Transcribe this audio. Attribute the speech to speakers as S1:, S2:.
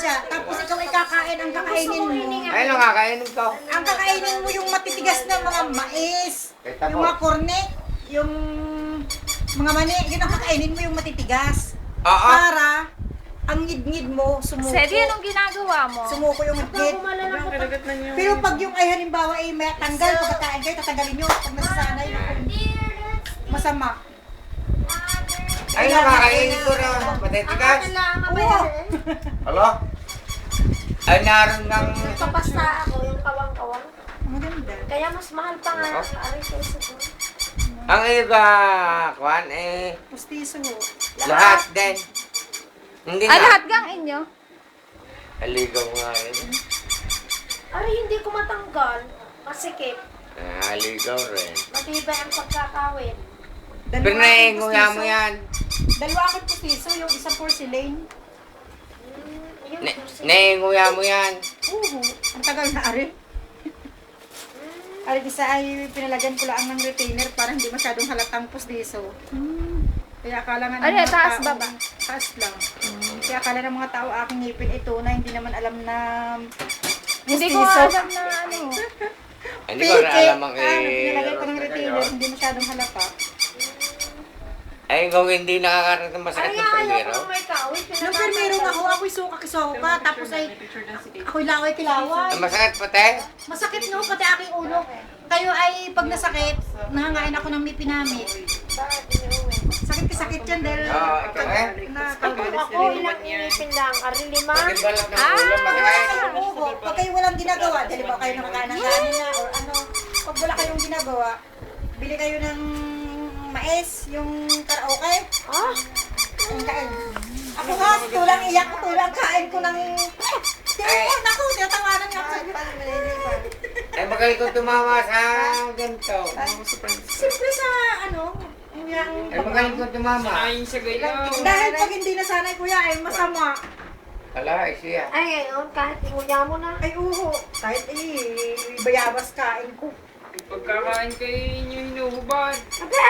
S1: sadya. Tapos ikaw ay kakain, ang kakainin mo.
S2: Ay, ano kakainin ko?
S1: Ang kakainin mo yung matitigas na mga mais.
S2: Kita
S1: Yung
S2: mo.
S1: mga korne. Yung mga mani. Yun ang kakainin mo yung matitigas.
S2: Oo.
S1: Para ang ngid-ngid mo sumuko.
S3: Sedi, anong ginagawa mo?
S1: Sumuko yung ngid. Pero pag yung ay halimbawa ay may tanggal, pagkakain kayo, tatanggalin nyo. Pag nasasanay, masama.
S2: Ay, ano kakainin ko na matitigas?
S1: Oo.
S2: Hello? Ay, naroon ng...
S4: Papasta ako yung kawang-kawang.
S1: Maganda.
S4: Kaya mas mahal pa nga ang ari kaysa ko.
S2: Ang iba, Kwan, eh,
S1: Pustiso ho.
S2: lahat din. Hindi
S3: Ah,
S2: nga.
S3: lahat gang inyo?
S2: Aligaw nga eh.
S4: Ari, hindi ko matanggal. Masikip.
S2: Aligaw rin.
S4: Matibay ang pagkakawin.
S2: Pero naiinguya mo yan.
S1: Dalawa akong pustiso, yung isang porcelain.
S4: Yun,
S2: Naiinguya mo yan.
S1: Oo. Ang tagal na ari. Ari, isa ay pinalagyan ko lang ng retainer para hindi masyadong halatang pustiso. Kaya akala nga ng
S3: Ano,
S1: mga
S3: taas,
S1: tao-
S3: baba?
S1: Taas lang. Kaya akala ng mga tao aking ngipin ito na hindi naman alam na
S3: Hindi ko
S1: pustiso.
S3: alam na ano.
S2: Hindi ko rin alam ang
S1: Pinalagyan ko ng retainer, hindi masyadong halata.
S2: Ay, kung hindi nakakarating masakit
S4: Ari,
S2: ng
S4: ayaw
S2: primero.
S4: ko may kawin.
S1: Nung permero ako, ako'y suka-kisoka, tapos ay ako'y laway-kilaway.
S2: Ang masakit pati?
S1: Masakit no, pati aking ulo. Kayo ay pag nasakit, nangangain ako ng mipinamit.
S4: Bakit iniuwi?
S1: Sakit yan dahil
S2: Oo, ikaw eh.
S4: Ako, ilang inipin lang. Ari, 5.
S2: Sakit balak ng ulo, masakit.
S1: Oo, pag kayo walang ginagawa, dahil ba kayo nakakain ng kanin na or ano, pag wala kayong ginagawa, bili kayo ng mais, yung karaoke,
S4: Ah,
S1: ang kain. Ako nga, tulang iyak ko, tulang kain ko ng... Naku, tinatawanan nga ako.
S2: Ay, magaling ko tumama sa ganito.
S1: Simple sa ano, yung...
S2: Ay, magaling ko tumama.
S1: Dahil pag hindi nasanay kuya ay masama.
S2: Ala, ay siya.
S4: ay ngayon, kahit inguya mo na.
S1: Ay uho, kahit bayabas kain ko.
S5: Pagkakain kayo inyo hinuhubad.
S4: Sabi,